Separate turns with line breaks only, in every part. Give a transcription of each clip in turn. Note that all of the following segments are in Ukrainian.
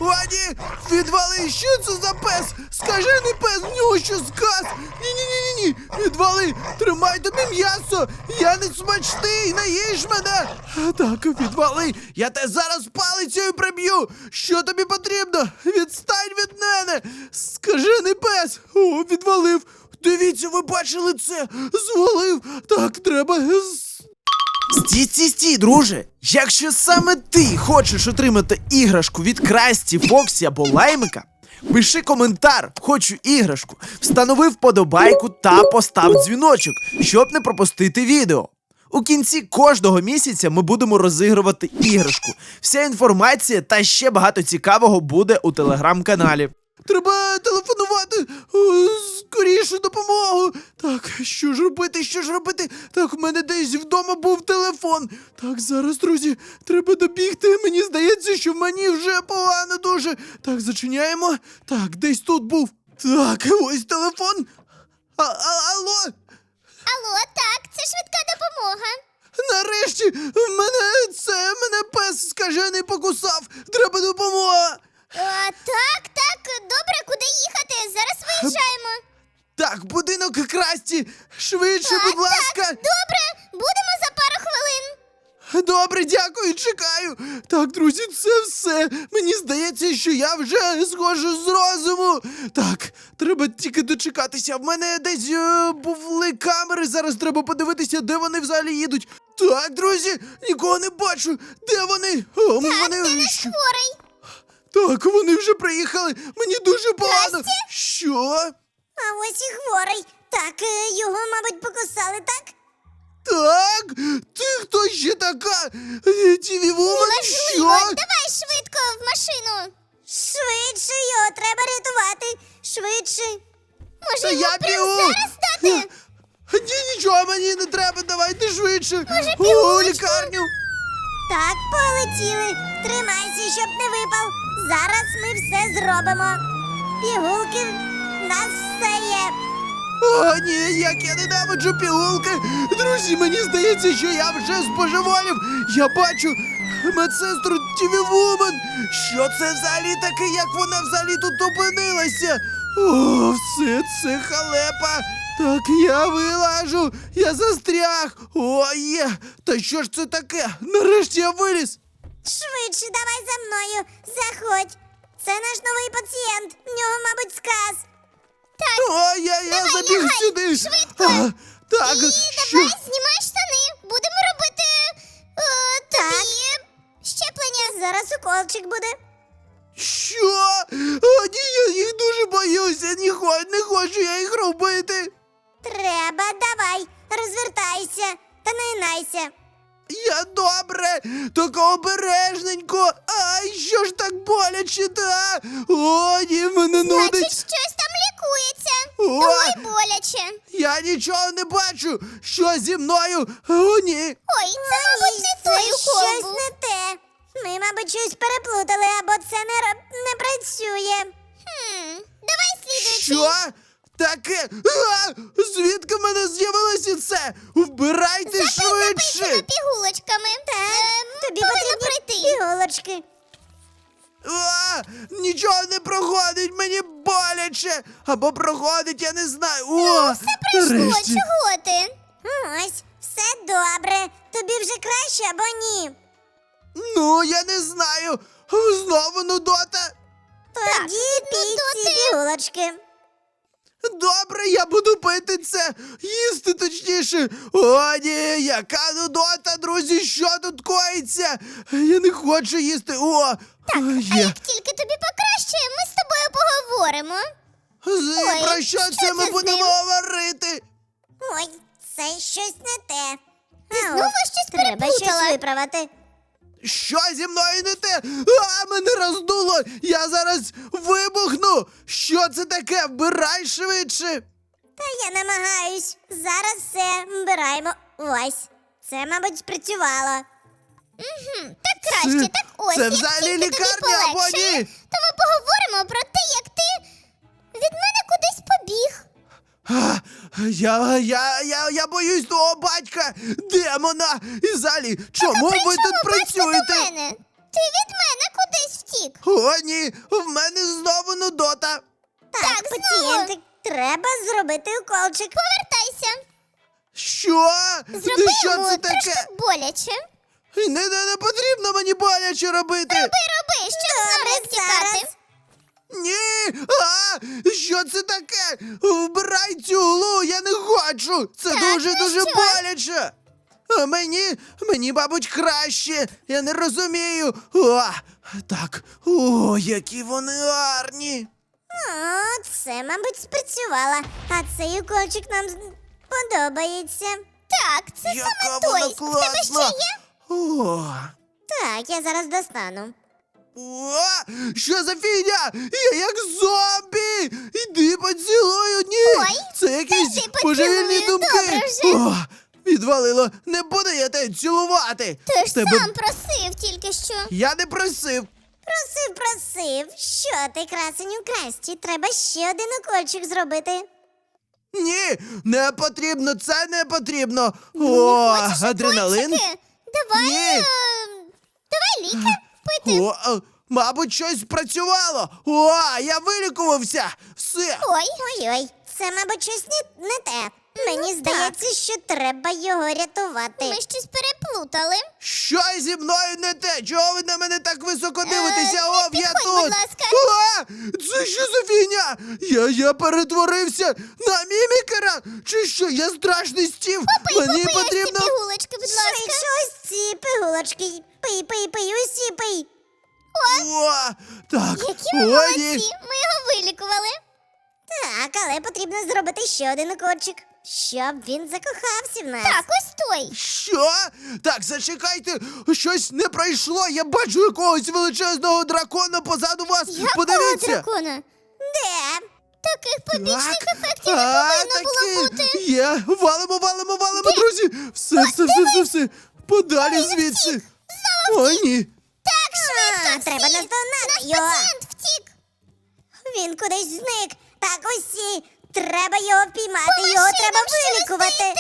О, ні! Відвали! Що це за пес? Скажений пес, в нього що сказ? Ні! Відвали! Тримай тобі м'ясо! Я не смачний! Не їж мене! Так, відвали! Я тебе зараз палицею приб'ю! Що тобі потрібно? Відстань від мене! Скажений пес! О, відвалив! Дивіться, ви бачили це? Звалив! Так, треба... Стій, друже! Якщо саме ти хочеш отримати іграшку від Красті, Фоксі або Лаймика, пиши коментар «Хочу іграшку», встанови вподобайку та постав дзвіночок, щоб не пропустити відео. У кінці кожного місяця ми будемо розігрувати іграшку. Вся інформація та ще багато цікавого буде у телеграм-каналі. Треба телефонувати! Скоріше допомогу! Так, що ж робити? Так, в мене десь вдома був телефон. Так, зараз, друзі, треба добігти. Мені здається, що мені вже погано дуже. Так, зачиняємо. Так, десь тут був. Так, ось телефон. Алло?
Алло, так, це швидка допомога.
Нарешті! Мене пес скажений покусав. Треба допомога.
Так, добре, куди їхати? Зараз виїжджаємо.
Так, будинок Красті! Швидше, будь ласка!
Добре, будемо за пару хвилин.
Добре, дякую, чекаю! Так, друзі, це все! Мені здається, що я вже схожу з розуму! Так, треба тільки дочекатися. В мене десь були камери, зараз треба подивитися, де вони взагалі їдуть. Так, друзі, нікого не бачу! Де вони? О, вони...
Де наш хворий?
Так, вони вже приїхали! Мені дуже погано!
Красті?
Що?
А ось і хворий. Так, його, мабуть, покусали, так?
Так? Ти хто ще така? Тіві Вумен, що?
Давай швидко в машину. Швидше його треба рятувати. Швидше.
Та
Може,
я
його прямо
бігу!
зараз стати?
Ні, нічого мені не треба, давайте швидше!
Може,
У
пігулочку?
лікарню!
Так, полетіли. Тримайся, щоб не випав. Зараз ми все зробимо. Пігулки в нас все є.
О, ні, як я ненавиджу пігулки! Друзі, мені здається, що я вже збожеволів! Я бачу медсестру Тіві Вумен! Що це взагалі таке, як вона взагалі тут опинилася? О, все це халепа! Так, я вилажу! Я застряг! О, є! Та що ж це таке? Нарешті я виліз!
Швидше, давай за мною. Заходь. Це наш новий пацієнт. В нього, мабуть, сказ. Так,
О, я
давай,
забіг
лягай,
сюди!
швидко.
Так,
і
що?
давай знімай штани. Будемо робити тобі щеплення. Зараз уколчик буде.
Що? О, ні, я їх дуже боюся, не хочу я їх робити.
Треба, давай, розвертайся та не найся.
Я добре, тільки обережненько. Ай, що ж так боляче, та? О, ні, мене нудить.
Значить, щось там лікується.
О!
Думай, боляче.
Я нічого не бачу. Що зі мною? О, ні.
Ой, це, мабуть, не той укол щось був. Не те. Ми, мабуть, щось переплутали, або це не працює. Давай слідуючий.
Що? Таке? Звідки в мене з'явилося це? Вбирайте швидше.
Записано пігулочками. Так, тобі потрібно пройти. Пігулочки.
Нічого не проходить, мені боляче. Або проходить, я не знаю. О,
Все пройшло,
нарешті.
чого ти? Ось, все добре. Тобі вже краще або ні?
Ну, я не знаю. Знову нудота.
Тоді пій ці пігулочки.
Добре, я буду пити це, їсти точніше. О, ні, яка нудота, друзі, що тут коїться? Я не хочу їсти. О,
Так, а
є.
як тільки тобі покращає, ми з тобою поговоримо. Ой,
Про що
що
це
це
ми
з
будемо
ним?
говорити?
Ой, це щось не те. Ти знову щось переплутала. Треба щось виправити.
Що зі мною не те? Мене роздуло! Я зараз вибухну! Що це таке? Вбирай швидше!
Та я намагаюсь. Зараз все вбираємо. Ось. Це, мабуть, спрацювало. Так краще, так ось.
Це
як
взагалі
тільки тобі
лікарня або
полегшає,
ні?
то ми поговоримо про те, як ти від мене кудись побіг.
Я боюсь того батька, демона! І взагалі, чому ви тут
До
працюєте?
мене? Ти від мене кудись втік. втік.
О, ні, в мене знову нудота.
Так, пацієнтик, треба зробити уколчик. Повертайся.
Що?
Зроби
Що
йому
це
трошки
таке?
боляче.
Не потрібно мені боляче робити.
Роби, щоб зараз тікати.
Ні! Що це таке? Вбирай цю глу, я не хочу! Це
Так,
дуже
ну що?
боляче! А мені, мабуть, краще. Я не розумію. Так, які вони гарні.
О, це, мабуть, спрацювало. А цей уколчик нам подобається. Так, це
Яка вона класна! О,
Так, я зараз достану.
що за фігня? Я як зомбі! Іди поцілую, ні!
Ой,
це якісь
іди
божевільні
поцілую,
думки!
добре вже.
Відвалило, не буду я тебе цілувати!
Ти ж
Тебе-
сам просив тільки що.
Я не просив!
Просив. Що ти, красеню Красті? Треба ще один укольчик зробити.
Ні, не потрібно, це не потрібно!
Хочеш
адреналин?
укольчики? Давай,
Ні.
давай ліки пити.
Мабуть, щось спрацювало! Я вилікувався! Все!
Ой, це, мабуть, щось не те. Мені здається, що треба його рятувати. Ми щось переплутали.
Що зі мною не те? Чого ви на мене так високо дивитеся?
не
Я
підходь,
тут!
будь ласка.
Це що за фігня? Я перетворився на мімікера? Чи що? Я страшний стів! Мені потрібно.
пігулочки, будь ласка. Швидше ось ці пігулочки. Пий, усі пий.
Так,
Які ми
ні.
молодці, ми його вилікували. Так, але потрібно зробити ще один укольчик, щоб він закохався в нас. Так, ось той.
Що? Так, зачекайте, щось не пройшло. Я бачу якогось величезного дракона позаду вас. Подивіться.
дракона? Де? Таких побічних
Так,
ефектів не повинно було
таки
бути.
є. Валимо, друзі. Все. Подалі звідси. О, ні.
Так, швидко, треба наздогнати його.
Пацієнт втік.
Він кудись зник. Так, усі. Треба його впіймати, його треба вилікувати.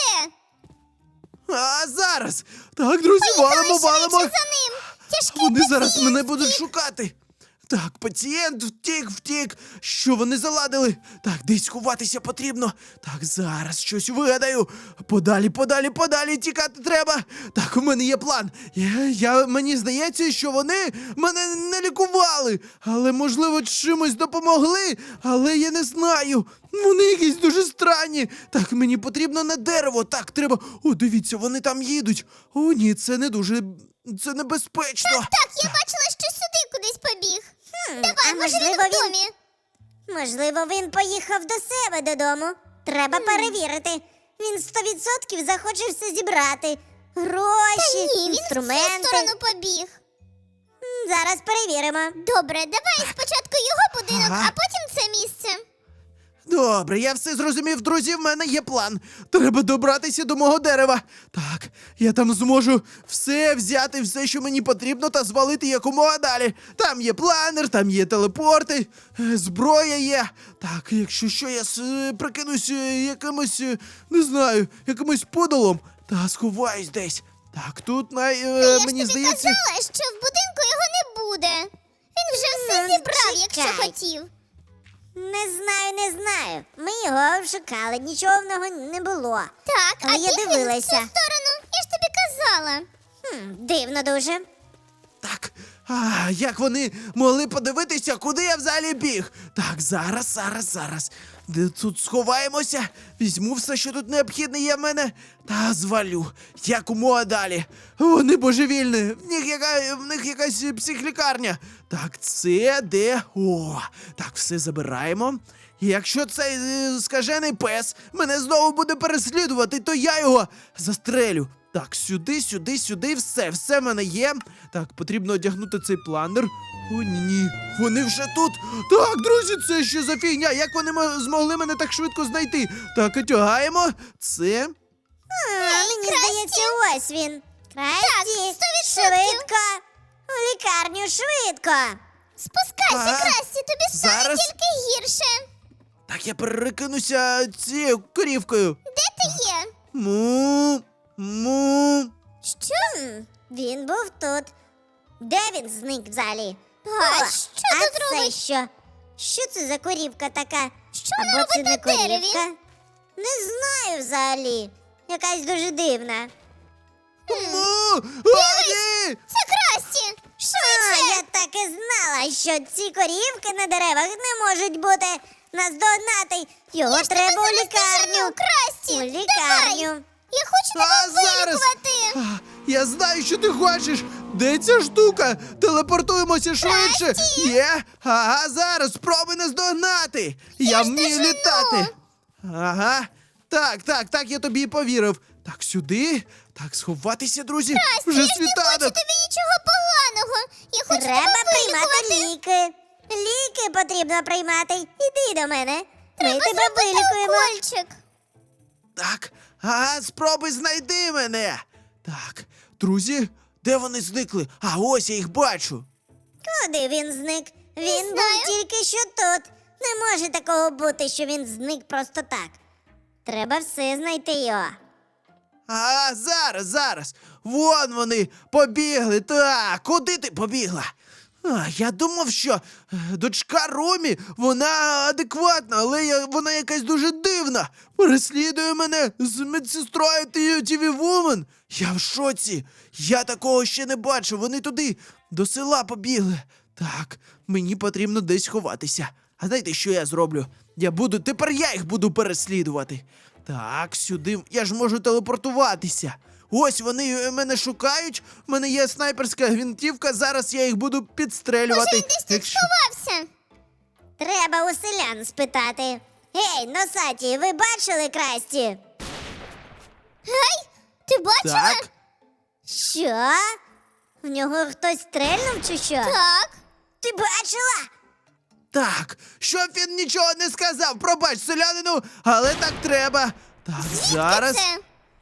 Зараз. Так, друзі, валимо.
За ним. Тяжкий
Вони зараз
пацієнт
мене будуть шукати. Так, пацієнт втік. Що вони заладили? Так, десь ховатися потрібно. Так, зараз щось вигадаю. Подалі тікати треба. Так, у мене є план. Мені здається, що вони мене не лікували. Але, можливо, чимось допомогли. Але я не знаю. Вони якісь дуже странні. Так, мені потрібно на дерево. Так, треба. О, дивіться, вони там їдуть. О, ні, це не дуже. Це небезпечно.
Так, я бачила, що сюди кудись побіг. Давай,
а
може він
можливо,
в домі.
Можливо, він поїхав до себе додому. Треба перевірити. Він 100% захоче все зібрати. Гроші,
Ні, він в цю
інструменти.
сторону побіг.
Зараз перевіримо.
Добре, давай спочатку його будинок,
Ага.
а потім це місце.
Добре, я все зрозумів, друзі, в мене є план. Треба добратися до мого дерева. Так, я там зможу все взяти, все, що мені потрібно, та звалити якомога далі. Там є планер, там є телепорти, зброя є. Так, якщо що, я прикинусь якимось, не знаю, якимось подолом та сховаюсь десь. Так, тут
Я ж
мені
тобі
здається.
казала, що в будинку його не буде. Він вже все
Ну,
зібрав, якщо
чекай.
хотів.
Не знаю. Ми його шукали, нічого в нього не було.
Так,
Але
а
я
біг він в цю
дивилася.
сторону. Я ж тобі казала.
Дивно дуже.
Так, як вони могли подивитися, куди я взагалі біг? Так, зараз. Де тут сховаємося, візьму все, що тут необхідне є в мене, та звалю. Якомога далі. Вони божевільні, в них якась психлікарня. Так, це де? Так, все забираємо. І якщо цей скажений пес мене знову буде переслідувати, то я його застрелю. Так, сюди, все в мене є. Так, потрібно одягнути цей планер. О, ні, вони вже тут. Так, друзі, це що за фігня? Як вони змогли мене так швидко знайти? Так, одягаємо. Це.
Мені
Красті.
здається, ось він. Красті,
100%.
швидко. У лікарню, швидко.
Спускайся,
Ага.
Красті, тобі стане
Зараз.
тільки гірше.
Так, я перекинуся цією корівкою.
Де ти є?
Му.
Що?
Він був тут. Де він зник взагалі?
А що тут
це
робить?
що? Що це за корівка така?
Що вона
Або це
робить
не
на дереві?
корівка? Не знаю взагалі. Якась дуже дивна.
Ні!
Це Красті! Швидше!
Я так і знала, що ці корівки на деревах не можуть бути наздогнати. Його треба у лікарню.
Красті!
У
Давай!
лікарню.
Я хочу
А
тебе
зараз!
вилікувати!
А, Я знаю, що ти хочеш. Де ця штука? Телепортуємося швидше.
Красті!
Є? Ага, зараз спробуй наздогнати. Я вмію
дожену.
літати. Ага. Так, я тобі і повірив. Так, сюди. Так, сховатися, друзі. Вже
Я ж не хочу
світанок.
тобі нічого поганого! Я хочу
Треба
тебе
приймати
вилікувати!
ліки. Ліки потрібно приймати. Іди до мене. Ми
Треба
тебе
зробити
вилікуємо.
укольчик!
Так, ага, спробуй знайди мене. Так, друзі, де вони зникли? А ось я їх бачу.
Куди він зник? Він був
знаю.
тільки що тут. Не може такого бути, що він зник просто так. Треба все знайти його.
А, зараз. Вон вони побігли. Так, куди ти побігла? Я думав, що дочка Ромі, вона адекватна, але вона якась дуже дивна. Переслідує мене з медсестрою TV Woman. Я в шоці. Я такого ще не бачив. Вони туди, до села побігли. Так, мені потрібно десь ховатися. А знаєте, що я зроблю? Тепер я їх буду переслідувати. Так, сюди. Я ж можу телепортуватися. Ось вони мене шукають. У мене є снайперська гвинтівка. Зараз я їх буду підстрелювати.
Він десь тут
Якщо-
сховався!
Треба у селян спитати. Гей, носаті, ви бачили Красті?
Гей! Ти бачила?
Так.
Що? В нього хтось стрельнув чи що?
Так.
Ти бачила?
Так, щоб він нічого не сказав. Пробач, селянину, але так треба. Так, зараз.
Це?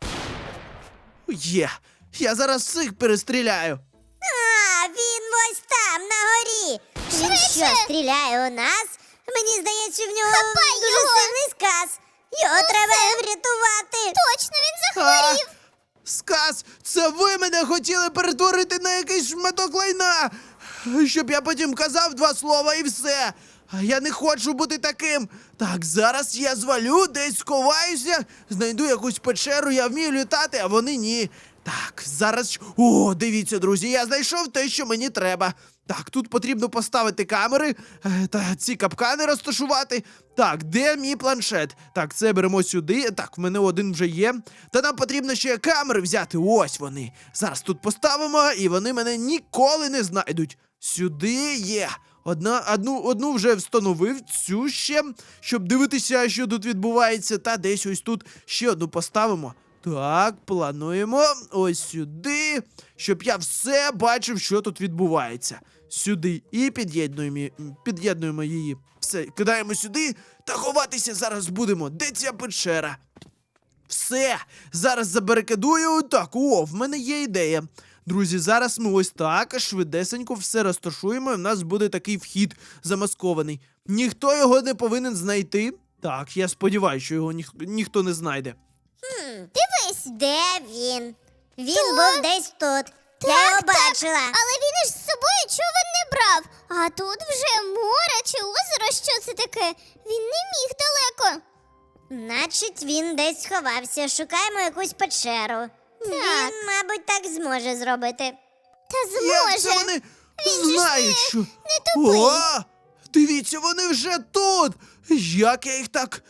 Є. Я зараз всіх перестріляю.
А, він ось там, на горі. Він
Швидше!
що, стріляє у нас? Мені здається, в нього
Хапай
дуже
його!
сильний сказ. Його треба врятувати.
Точно, він захворів!
Сказ, це ви мене хотіли перетворити на якийсь шматок лайна, щоб я потім казав два слова і все. А я не хочу бути таким. Так, зараз я звалю, десь сховаюся, знайду якусь печеру, я вмію літати, а вони ні. Так, зараз. О, дивіться, друзі, я знайшов те, що мені треба. Так, тут потрібно поставити камери та ці капкани розташувати. Так, де мій планшет? Так, це беремо сюди. Так, в мене один вже є. Та нам потрібно ще камери взяти. Ось вони. Зараз тут поставимо, і вони мене ніколи не знайдуть. Сюди є. Одну вже встановив, цю ще, щоб дивитися, що тут відбувається. Та десь ось тут ще одну поставимо. Так, плануємо ось сюди, щоб я все бачив, що тут відбувається. Сюди і під'єднуємо її. Все, кидаємо сюди та ховатися зараз будемо. Де ця печера? Все, зараз забарикадую. Так, в мене є ідея. Друзі, зараз ми ось так швидесенько все розташуємо, і в нас буде такий вхід замаскований. Ніхто його не повинен знайти. Так, я сподіваюся, що його ніхто не знайде.
Дивись!
Де він? Він був десь тут. Я його бачила.
Але він із собою човен не брав. А тут вже море чи озеро, що це таке? Він не міг далеко.
Значить, він десь сховався. Шукаємо якусь печеру. Він, мабуть, так зможе зробити.
Та
Як це
зможе.
вони
Він же ж
знають, що...
не тупий.
О! Дивіться, вони вже тут! Як я їх так...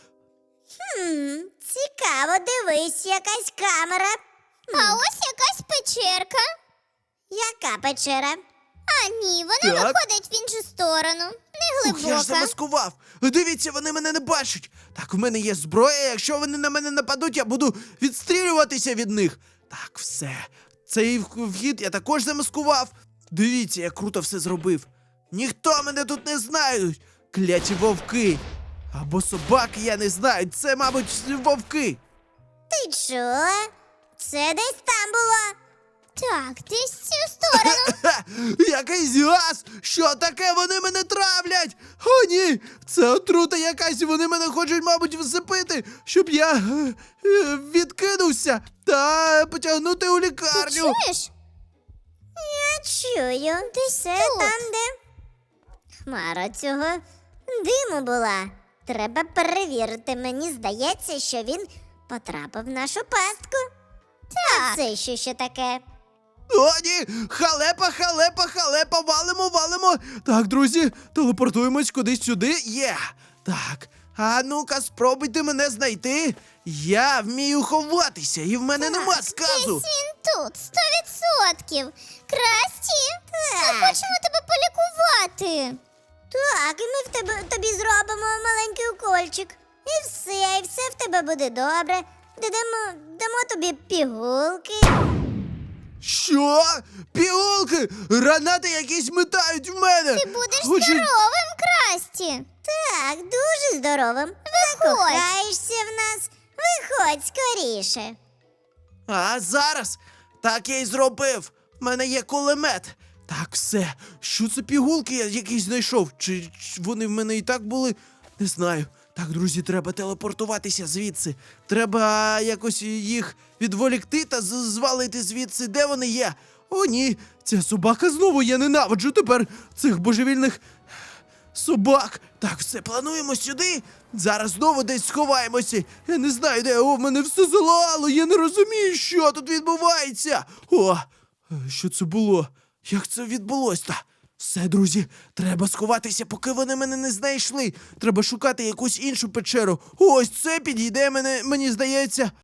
Цікаво, дивись, якась камера.
А ось якась печерка.
Яка печера?
А ні, вона
Так.
виходить в іншу сторону. Не
Ух, я ж
глибока.
замаскував! Дивіться, вони мене не бачать! Так, в мене є зброя, якщо вони на мене нападуть, я буду відстрілюватися від них. Так, все. Цей вхід я також замаскував. Дивіться, я круто все зробив. Ніхто мене тут не знає. Кляті вовки. Або собаки, я не знаю. Це, мабуть, вовки.
Ти чула? Це десь там було.
Так, десь в цю сторону.
Ха! Якийсь газ! Що таке? Вони мене травлять! О, ні! Це отрута якась, вони мене хочуть, мабуть, всипити, щоб я відкинувся та потягнути у
Ти
лікарню.
чуєш?
Я чую.
Десь
Це
тут.
там, де Хмара цього диму була. Треба перевірити. Мені здається, що він потрапив в нашу пастку. А це що ще таке?
О, ні! Халепа, халепа, халепа! Валимо, валимо! Так, друзі, телепортуємось кудись сюди. Є! Так. А ну-ка, спробуйте мене знайти. Я вмію ховатися, і в мене нема сказу.
Десь він тут, 100%. Красті, ми
Так.
хочемо тебе полікувати.
Так, і ми тобі зробимо маленький укольчик. І все в тебе буде добре. Дамо тобі пігулки.
Що? Пігулки! Гранати якісь метають в мене!
Ти будеш
Хочуть-
здоровим, Красті.
Так, дуже здоровим. Закохаєшся в нас. Виходь скоріше.
А зараз? Так я й зробив. В мене є кулемет. Так, все. Що це пігулки я якісь знайшов? Чи вони в мене і так були? Не знаю. Так, друзі, треба телепортуватися звідси. Треба якось їх відволікти та звалити звідси. Де вони є? О, ні, ця собака знову, я ненавиджу тепер цих божевільних собак. Так, все, плануємо сюди. Зараз знову десь сховаємося. Я не знаю, де. О, в мене все залало. Я не розумію, що тут відбувається. О, що це було? Як це відбулося? Все, друзі, треба сховатися, поки вони мене не знайшли. Треба шукати якусь іншу печеру. Ось це підійде мені здається.